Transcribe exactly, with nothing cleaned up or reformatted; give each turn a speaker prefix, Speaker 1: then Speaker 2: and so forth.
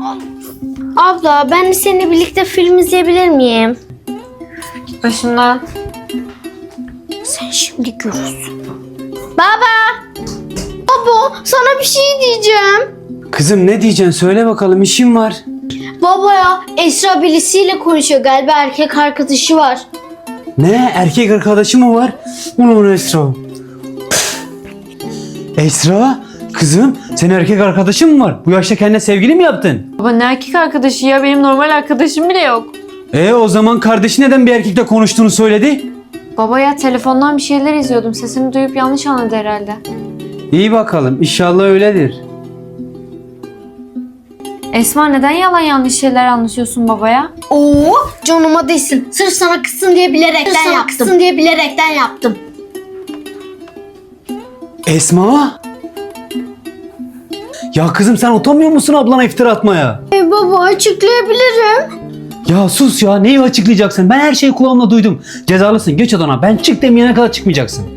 Speaker 1: Abla ben de seninle birlikte film izleyebilir miyim?
Speaker 2: Git başımdan.
Speaker 1: Sen şimdi görürsün. Baba! Baba sana bir şey diyeceğim.
Speaker 3: Kızım ne diyeceksin söyle bakalım, işim var.
Speaker 1: Baba ya Esra birisiyle konuşuyor, galiba erkek arkadaşı var.
Speaker 3: Ne, erkek arkadaşı mı var? Ulan Esra. Esra kızım, senin erkek arkadaşın mı var? Bu yaşta kendine sevgili mi yaptın?
Speaker 2: Baba ne erkek arkadaşı ya, benim normal arkadaşım bile yok.
Speaker 3: E o zaman kardeşi neden bir erkekle konuştuğunu söyledi?
Speaker 2: Baba ya telefondan bir şeyler izliyordum, sesini duyup yanlış anladı herhalde.
Speaker 3: İyi bakalım, inşallah öyledir.
Speaker 2: Esma neden yalan yanlış şeyler anlatıyorsun babaya?
Speaker 1: Oo canıma değsin. Sırf sana kızsın diye bilerekten Sırf sana yaptım. Kızsın diye bilerekten yaptım.
Speaker 3: Esma? Ya kızım sen utanmıyor musun ablana iftira atmaya?
Speaker 1: E baba açıklayabilirim.
Speaker 3: Ya sus ya, neyi açıklayacaksın? Ben her şeyi kulağımla duydum. Cezalısın, geç odana. Ben çık demeyene kadar çıkmayacaksın.